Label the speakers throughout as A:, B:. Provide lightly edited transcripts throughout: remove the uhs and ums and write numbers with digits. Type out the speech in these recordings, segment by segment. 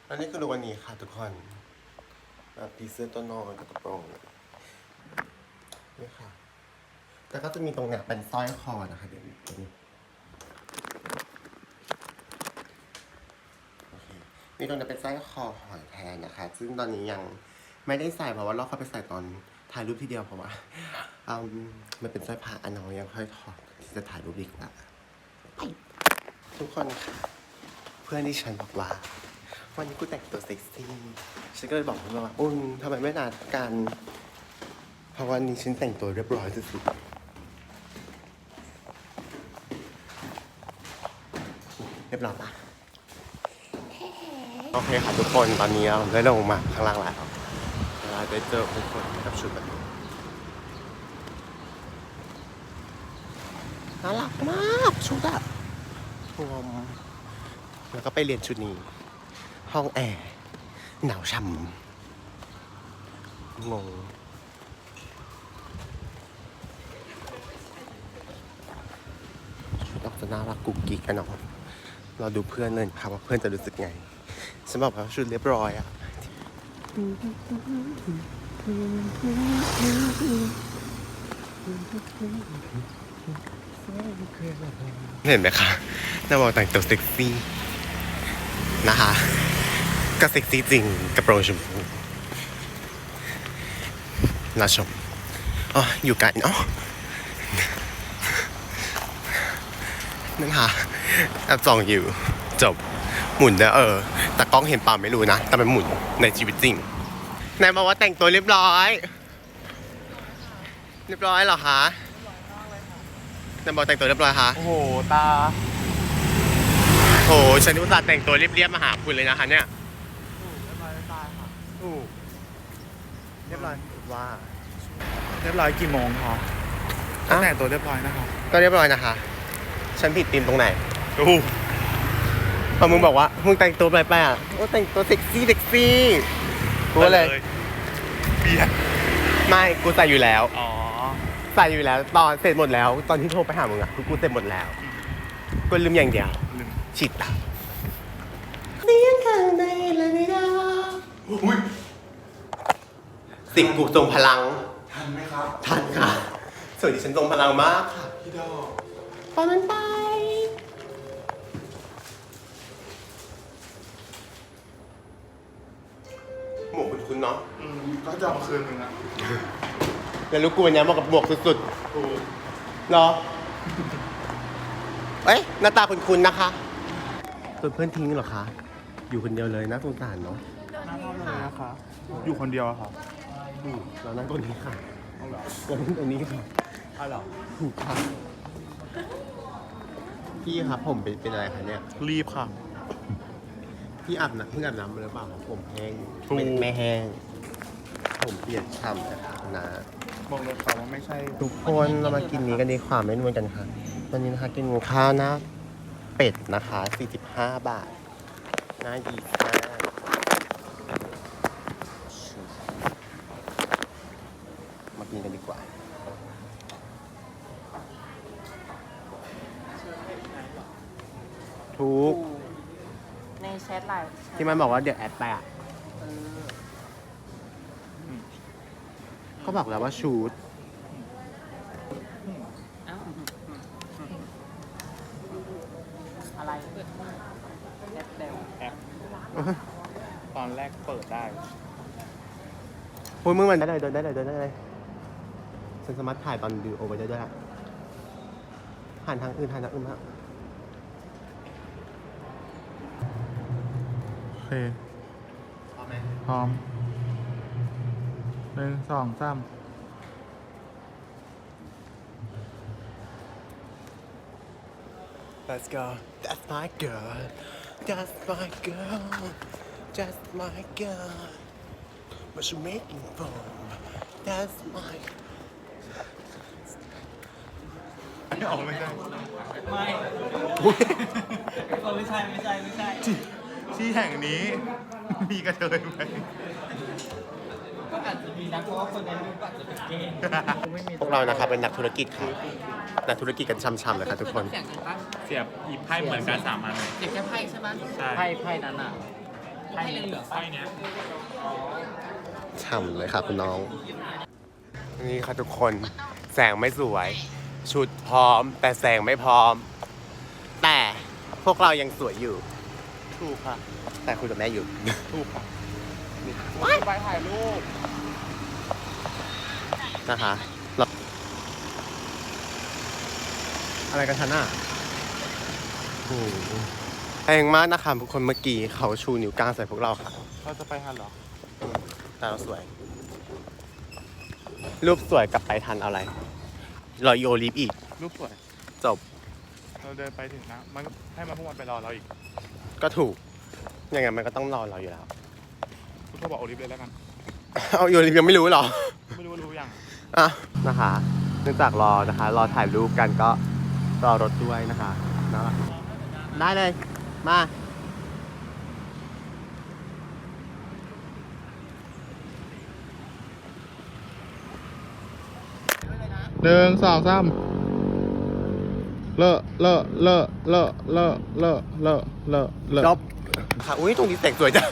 A: อันนี้คือลุควันนี้ค่ะทุกคนปีเสื้อตัวนอนกับกระโปรงนี่ค่ะแล้วก็จะมีตรงเนี้ยเป็นสร้อยคอนะคะเดี๋ยวนี้โอเคมีตรงเนี้ยเป็นสร้อยคอหอยแทนนะคะซึ่งตอนนี้ยังไม่ได้ใส่เพราะว่าเราเข้าไปใส่ตอนถ่ายรูปทีเดียวเพราะว่ามันเป็นสร้อยผ้าอันน้อยยังค่อยถอดที่จะถ่ายรูปดีกว่าทุกคนค่ะเพื่อนที่ฉันบอกว่าวันนี้กูแต่งตัวเซ็กซี่ฉันก็เลยบอกเขาว่าทำไมไม่นัดกันเพราะวันนี้ฉันแต่งตัวเรียบร้อยสุดๆเรียบร้อยปะโอเคค่ะทุกคนตอนนี้เราได้ลงมาข้างล่างแล้วเราได้เจอทุกคนกับชุดแบบนี้น่ารักมากชุดอะรวมแล้วก็ไปเรียนชุดนี้ห้องแอร์หนาวช่ำงงชุดออกจะน่ารักกุ๊กกิ๊กกันเนาะเราดูเพื่อนเลยค่ะว่าเพื่อนจะรู้สึกไงฉันบอกว่าชุดเรียบร้อยอะเห็นไหมคะน่าบอกแต่งตัวเซ็กซี่นะคะก็เซ็กซี่จริงกระโปรงชมพูน่าชมอ๋ออยู่ไกลเนาะนั่นค่ะแอบส่องอยู่จบหมุนเด้อแต่กล้องเห็นเปล่าไม่รู้นะแต่มันหมุนในชีวิตจริงนายบอกว่าแต่งตัวเรียบร้อยเหรอคะนายบอกแต่งตัวเรียบร้อยคะ
B: โอ้โหตา
A: โหฉันอุตส่าห์แต่งตัวเรียบๆมาหาคุณเลยนะคะเนี่ยเรียบร้อยว่า
B: เรียบร้อยกี่โมงคะแต่งตัวเรียบร้อยนะคะ
A: ก็เรียบร้อยนะคะฉันผิดธีมตรงไหน
B: โอ้
A: พอมึงบอกว่ามึงแต่งตัวไปอ่ะก็แต่งตัวเซ็กซี่กูก็เลย
B: เบียด
A: ไม่กูใส่อยู่แล้ว
B: อ๋อ
A: ใส่อยู่แล้วตอนเสร็จหมดแล้วตอนที่โทรไปหามึงอ่ะกูเสร็จหมดแล้วกูลืมอย่างเดียว
B: ลืม
A: ฉีดตาเสียงข้างในเลยไม่ได้สิ่งกูทรงพลัง
B: ทันไหมครับ
A: ทันค่ะส่วนดิฉันทรงพลังมากค่ะ
B: พี่ดอก
A: ตอนนั้นไปหมวกคุณเนาะ
B: ก็จะเอามาคืนนึงอ่ะ
A: แล้วลูกกูวันนี้เหมาะกับหมวกสุด
B: ถูก
A: ๆเหรอเอ้ยหน้าตาคุณนะคะตัวเพื่อนทิ้งเหรอคะอยู่คนเดียวเลยน่าสงสารเนาะ
B: น่าเท่าเลยนะคะอยู่คนเดียวอะครับ
A: เรานั่งตรงนี้ค่ะ
B: เอาเหรอ
A: เรานั่งตรงนี้ค่ะ
B: เอาเหรอ
A: ถูกค่ะพี่ครับผมเป็นอะไรคะเนี่ย
B: รีบค่ะ
A: พี่เพิ่งอาบน้ำมาหรือเปล่าครับผมแห้ง
B: ถูก
A: ไม่แห้งผมเปียกฉ่ำนะคะนะ
B: บอกเลยค่ะว่าไม่ใช่
A: ทุกคนเรามากินนี้กันดีกว่าไม่นวลกันค่ะวันนี้นะคะกินข้าวหน้าเป็ดนะคะ45 บาทน่าดีมากมากินกันดีกว่าทุก
C: ในแชทไลน์
A: ที่มันบอกว่าเดี๋ยวแอดไปอ่ะก็บอกแล้วว่าชูด
C: อ้าวอะไรแอปเดว
B: แอปตอนแรกเปิดได้
A: พูดมึงมันได้เลยเดินได้เลยฉันสามารถถ่ายตอนดูโอไว้ได้ด้วยหันทางอื่นมาก
B: โอเค พร้อม1 2 3
A: Let's go That's my girl That's my girl That's my girl What you making for That's my
B: ไม่ออกไม่ได้
C: ไม่
A: อุ๊ย
C: ไม่ใช่
B: ที่แห่งนี้มีกระเทยไหม
C: ก็อาจจะมีนะเพราะว่าคนในรูปอาจจะเป็นเกย์
A: พวกเรานะครับเป็นนักธุรกิจค่ะนักธุรกิจกันช่ำๆเลยค่ะทุกคน
C: เสียงกันปะ
B: เสียบหยิบไพ่เหมือนกัน3 อันเลย
C: เสียงแค่ไพ่ใช่ไหม
B: ใช่
C: ไพ่นั้นอ่ะให้เหลืองๆไปเนี้ย
A: ฉ่ำเลยค่ะคุณน้อง นี่ค่ะทุกคนแสงไม่สวย ชุดพร้อม แต่แสงไม่พร้อม แต่พวกเรายังสวยอยู่
B: ถูกค่ะ
A: แต่คุยกับแม่อยู่
B: ถูกค่ะไปถ่ายรูป
A: นะคะอะไรกันทันอ่ะโอ้โหแรงมากนะคะทุกคนเมื่อกี้เขาชูนิ้วกลางใส่พวกเราค่ะ
B: เราจะไปทันเหรอ
A: แต่เราสวย รูปสวยกลับไปทันเอาอะไรรออีโอลิฟอีก
B: รูปสวย
A: จบ
B: เราเดินไปถึงนะ มันให้มาพวกมันไปรอเราอีก
A: ก็ถูกยังไงมันก็ต้องรอเราอยู่แล้ว
B: คุณพ่อบอกโอลิฟเลยแล้วกัน
A: เอาอีโอลิฟยังไม่รู้เหรอ
B: ไม่รู้ว่ารู้ยัง
A: อ่ะนะคะเนื่องจากรอนะคะ รอถ่ายรูปกันก็รอรถด้วยนะคะนะได้เลย มา
B: 1 2 3เลอะเลอะเลอะเลอะเลอะเลอะเลอะเลอะเลอะ
A: จบค่ะอุ้ยตรงนี้แสงสวยจัง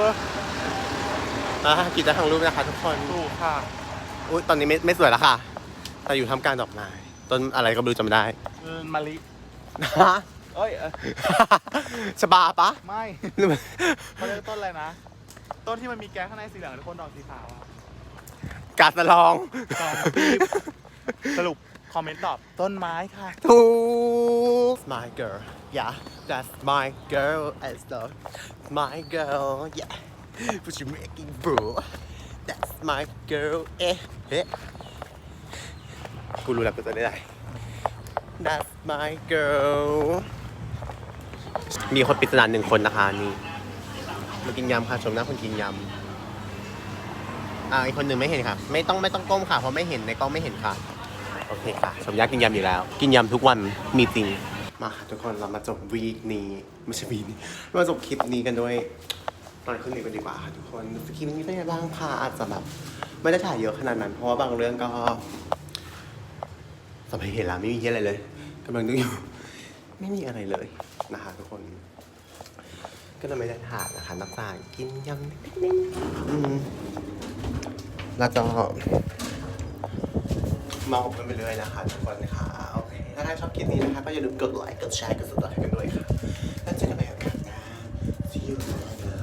A: กิจกรรมทางรูปนะคะทุกคน
B: ถูกค่ะ
A: อุ้ยตอนนี้ไม่สวยแล้วค่ะ แต่อยู่ทำการดอกไม้ต้นอะไรก็ไม่รู้จำไม่ได้
B: มะลิ
A: ฮะ
B: เอ้ย
A: ชบาปะ
B: ไม่
A: หรือมัน
B: เขาเรียกต้นอะไรนะ ต้นที่มันมีแก๊สข้างในสีเหลืองทุกคนดอกสีขาวอะ
A: กาสะลอง
B: สองปีบ สรุป คอมเมนต์ตอบ ต้นไม้ค่ะ
A: ถูก my girl yeah that's my girl as the my girl yeah what you making bro that's my girl เอ๊ะกูรู้แล้วกูจะได้ that's my girl มีคนปริศนา1 คนนะคะนี่มากินยำค่ะชมหน้าคนกินยำอีกคนหนึ่งไม่เห็นค่ะ ไม่ต้องก้มค่ะเพราะไม่เห็นในกล้องไม่เห็นค่ะโอเคค่ะสมยักษ์กินยำอยู่แล้ว กินยำทุกวันมีจริงมาค่ะทุกคนเรามาจบวีคนี้ไม่ใช่วีคนี้มาจบคลิปนี้กันด้วยตอนขึ้นนี้กันดีกว่าค่ะทุกคนคลิปนี้เป็นยังไงบ้างค่ะอาจจะแบบไม่ได้ถ่ายเยอะขนาดนั้นเพราะว่าบางเรื่องก็สมัยเห็นแล้วไม่มีอะไรเลยกำลังนึกอยู่ไม่มีอะไรเลยนะคะทุกคน ก็เลยไม่ได้ถ่ายนะคะนักจากกินยำนิดแล้วก็เมากันไปเลยนะคะทุกคนค่ะโอเคถ้าใครชอบคลิปนี้นะคะก็อย่าลืมกดไลค์กดแชร์กด subscribe กันด้วยค่ะแล้วเจอกันใหม่โอกาสหน้า See you later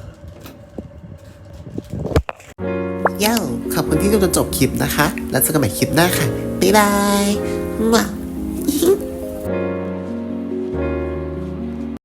A: ย่าขอบคุณที่ดูจนจบคลิปนะคะ แล้วเจอกันใหม่คลิปหน้าค่ะบ๊ายบาย